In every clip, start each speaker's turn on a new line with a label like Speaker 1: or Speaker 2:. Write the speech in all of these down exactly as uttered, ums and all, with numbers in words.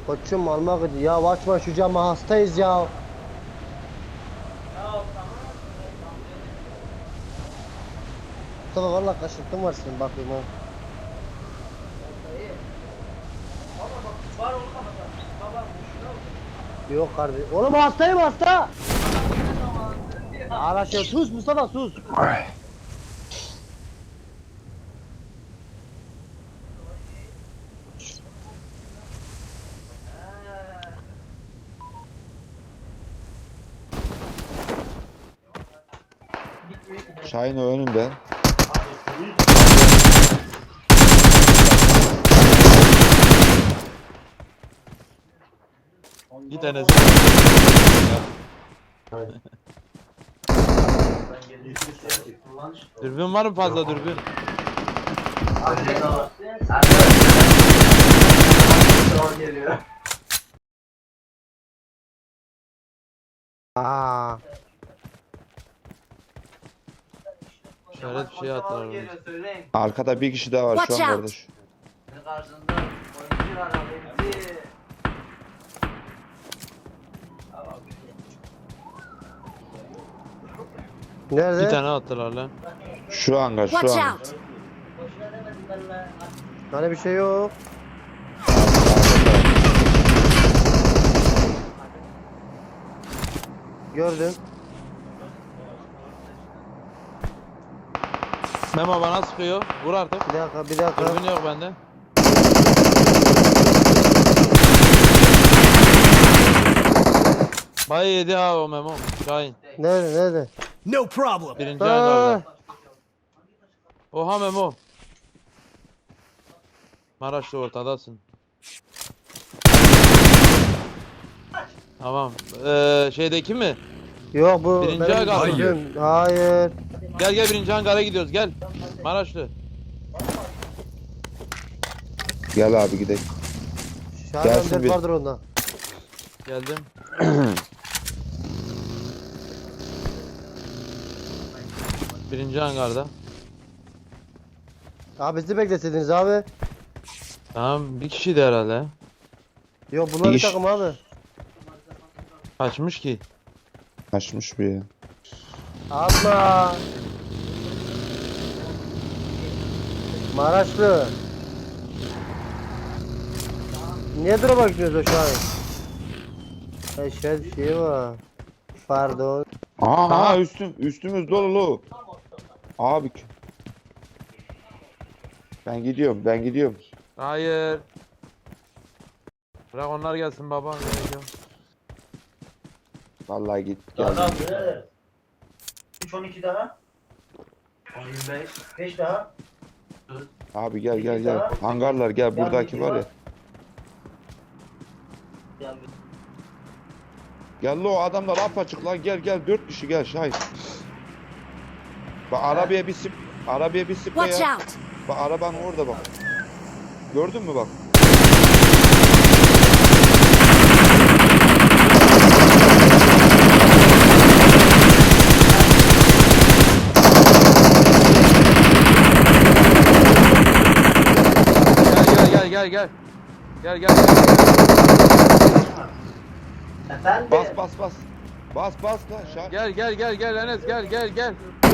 Speaker 1: Koçum almak için ya açma şu camı hastayız ya. Mustafa valla kaşıntın var senin bakayım ha. Yok kardeşim. Oğlum hastayım hasta. Araşıyor sus Mustafa sus.
Speaker 2: Şahin o önünde.
Speaker 3: Bir tanesi. Dürbün var mı fazla dürbün?
Speaker 1: Aa.
Speaker 3: İşaret bir şey attılar oraya.
Speaker 2: Arkada bir kişi daha var şu
Speaker 4: Watch
Speaker 2: an
Speaker 4: out.
Speaker 2: kardeş.
Speaker 5: Karşında oyuncu var abi.
Speaker 1: Nerede?
Speaker 3: Bir tane attılar lan.
Speaker 2: Şu hangar şu
Speaker 4: Watch
Speaker 2: hangar.
Speaker 4: out!
Speaker 1: Hani bir şey yok. Gördüm.
Speaker 3: Memo bana sıkıyor. Vur artık.
Speaker 1: Bir dakika bir dakika.
Speaker 3: Dürbün yok bende. Bay yedi ha o Memo. Şahin.
Speaker 1: Nerede nerede?
Speaker 6: No problem.
Speaker 3: Birinci
Speaker 1: Aa,
Speaker 3: hangarda. Oha Memo. Maraşlı ortadasın. Tamam. Ee, şeydeki mi?
Speaker 1: yok bu.
Speaker 3: Birinci
Speaker 1: benim
Speaker 3: hangar mı?
Speaker 1: bizim- Hayır.
Speaker 3: Gel gel birinci hangara gidiyoruz gel. Maraşlı.
Speaker 2: Gel abi gidelim.
Speaker 1: Şahin
Speaker 2: Gelsin
Speaker 1: dört
Speaker 2: bir.
Speaker 1: vardır onda.
Speaker 3: Geldim. Birinci hangarda.
Speaker 1: Abi bizi bekleseydiniz abi.
Speaker 3: Tamam bir kişiydi herhalde.
Speaker 1: Yok bunlar bir
Speaker 2: İş.
Speaker 1: takım abi.
Speaker 3: Kaçmış ki.
Speaker 2: Açmış bir ya.
Speaker 1: Atma. Maraşlı. Niye drop'a gidiyoruz o şu an? Eşya bir şey var. Pardon.
Speaker 2: Aha,
Speaker 3: Aha.
Speaker 2: aha üstüm üstümüz dolu. Abi. Ben gidiyorum ben gidiyorum.
Speaker 3: Hayır. Bırak onlar gelsin baba. Gerek yok.
Speaker 2: Vallahi git
Speaker 5: Daha
Speaker 2: gel.
Speaker 5: üç on iki daha. on beş. beş daha.
Speaker 2: Abi gel gel gel. Hangarlar gel buradaki var ya. Gel lo adamlar apaçık lan gel gel dört kişi gel Şahin. Bak arabaya bir sip arabaya bir sip
Speaker 4: Watch
Speaker 2: ya.
Speaker 4: out!
Speaker 2: Bak arabanın orada bak. Gördün mü bak?
Speaker 3: Gel gel gel gel. Gel gel.
Speaker 5: Efendim?
Speaker 2: Bas bas bas. Bas bas lan Şahin.
Speaker 3: Gel gel gel gel Enes gel gel gel.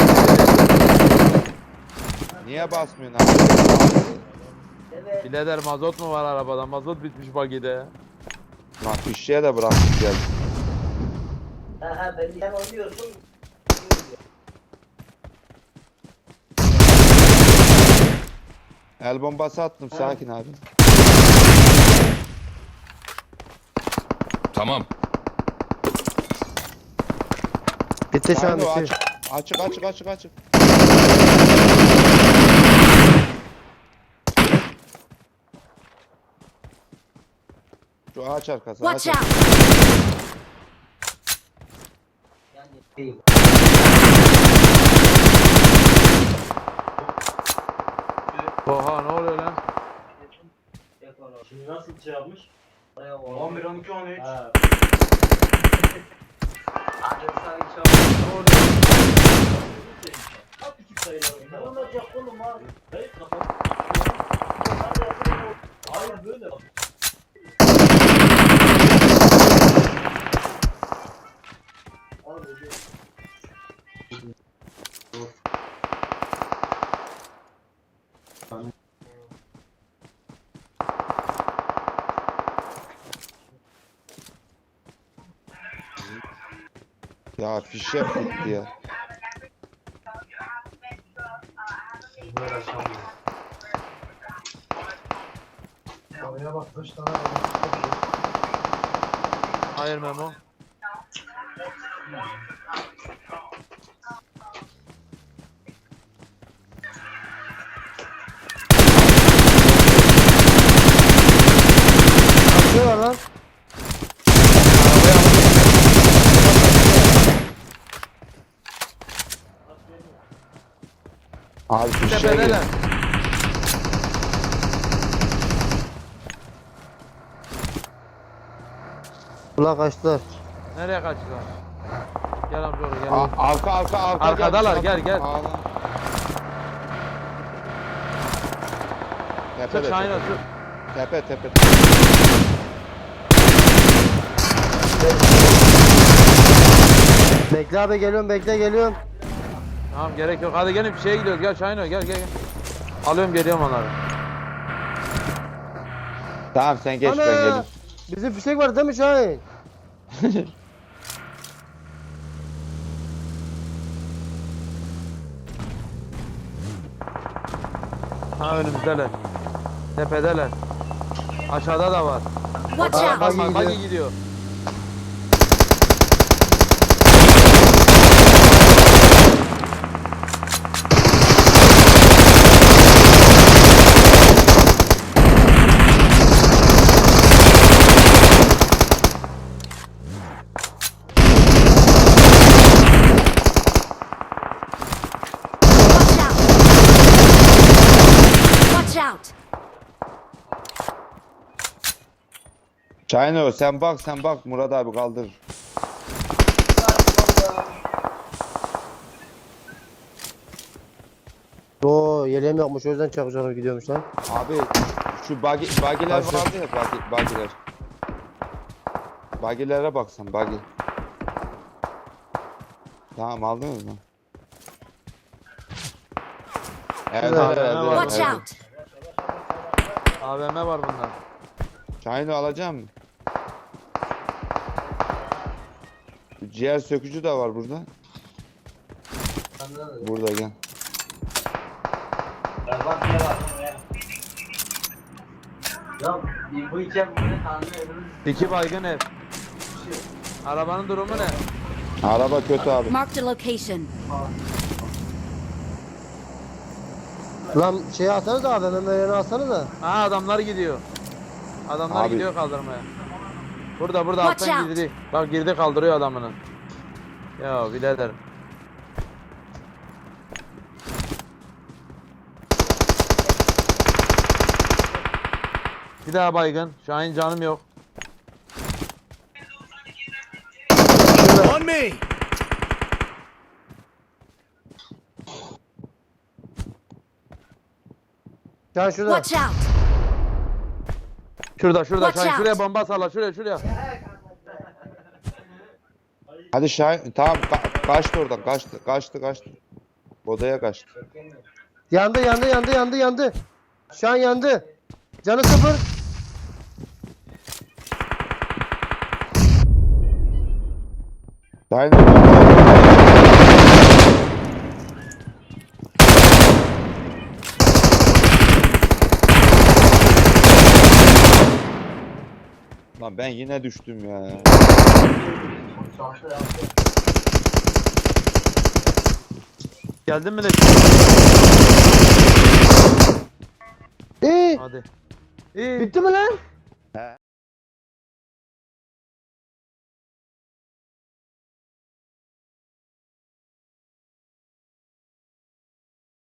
Speaker 2: Niye basmıyorsun abi?
Speaker 5: Evet.
Speaker 3: Birader mazot mu var arabada? Mazot bitmiş bagide.
Speaker 2: Lan fişeğe de bıraktık gel.
Speaker 5: Ha ha ben sen oynuyorsun.
Speaker 2: El bombası attım sakin abi.
Speaker 6: Tamam.
Speaker 1: Bitti şu an
Speaker 2: Şahin o
Speaker 1: bitti.
Speaker 2: açık açık açık açık açık. Şu ağaç arkası ağaç
Speaker 4: Watch
Speaker 2: arkası.
Speaker 4: out!
Speaker 5: Yani
Speaker 3: Oha ne oluyor lan?
Speaker 5: Şimdi nasıl şey yapmış? on bir on iki on üç. Ha. Ne olacak oğlum abi? Hayır kapat. Hayır böyle.
Speaker 2: Ya fişek bitti ya.
Speaker 5: Oraya bak kaç tane var.
Speaker 3: Hayır Memo.
Speaker 1: Kaçıyorlar lan.
Speaker 2: Abi fişek
Speaker 3: Tepedeler.
Speaker 1: Ulan kaçtılar.
Speaker 3: Nereye kaçtılar? Gel amca oraya gel.
Speaker 2: A- arka arka arka.
Speaker 3: Arkadalar, gel, gel.
Speaker 2: Ağlan.
Speaker 3: Sık
Speaker 2: Tepede,
Speaker 3: Şahin
Speaker 2: tepe,
Speaker 3: sık.
Speaker 2: tepe tepe.
Speaker 1: Bekle abi geliyorum bekle geliyorum.
Speaker 3: Tamam gerek yok. Hadi gelin bir şeye gidiyoruz. Gel Şahin gel gel gel. Alıyorum geliyorum onları.
Speaker 2: Tamam sen geç ben
Speaker 1: Ana!
Speaker 2: geleyim.
Speaker 1: Bizim fişek var değil mi Şahin?
Speaker 3: Ha önümüzdeler. Tepedeler. Aşağıda da var.
Speaker 4: Watch
Speaker 1: Aa,
Speaker 4: out!
Speaker 1: bak-
Speaker 3: Bak
Speaker 1: gidiyor.
Speaker 3: bak gidiyor.
Speaker 4: Watch out! Watch out!
Speaker 2: Çayno sen bak sen bak Murat abi kaldır.
Speaker 1: Oo yeleğim yokmuş o yüzden çakacağım gidiyormuş lan.
Speaker 2: Abi şu bagi, bagiler
Speaker 1: Aşağı.
Speaker 2: vardı ya bagi, bagiler. Bagilere baksan bagi. Tamam aldınız mı? Evet,
Speaker 1: Güzel.
Speaker 2: evet, evet, evet,
Speaker 4: Watch
Speaker 2: evet.
Speaker 4: out!
Speaker 3: A V M var bunda.
Speaker 2: Çayını alacağım mı? Ciğer sökücü de var burada. Burada gel.
Speaker 5: Bak ne var. Ya bu iki ev böyle tanrı evimiz.
Speaker 3: İki baygın ev. Arabanın durumu ne?
Speaker 2: Araba kötü abi.
Speaker 4: Marked a location.
Speaker 1: Lan şeyi alsanız da abi hemen yerini alsanız da.
Speaker 3: Ha adamlar gidiyor. Adamlar
Speaker 2: Abi.
Speaker 3: gidiyor kaldırmaya. Burada burada
Speaker 4: Watch
Speaker 3: alttan
Speaker 4: out.
Speaker 3: girdi. Bak girdi kaldırıyor adamını. Ya birader. Bir daha baygın. Şahin canım yok.
Speaker 6: On me!
Speaker 1: Şahin şurada.
Speaker 4: Watch out!
Speaker 3: Şurada şurada
Speaker 4: Watch
Speaker 3: Şahin
Speaker 4: out.
Speaker 3: şuraya bomba salla şuraya şuraya.
Speaker 2: Hadi Şahin tamam ka- kaçtı oradan kaçtı kaçtı kaçtı. Odaya kaçtı.
Speaker 1: Yandı yandı yandı yandı yandı. Şahin yandı. Canı sıfır.
Speaker 2: Şahin Lan ben yine düştüm ya.
Speaker 3: Geldin mi de?
Speaker 1: İyi.
Speaker 3: Hadi. İyi.
Speaker 1: Bitti mi lan?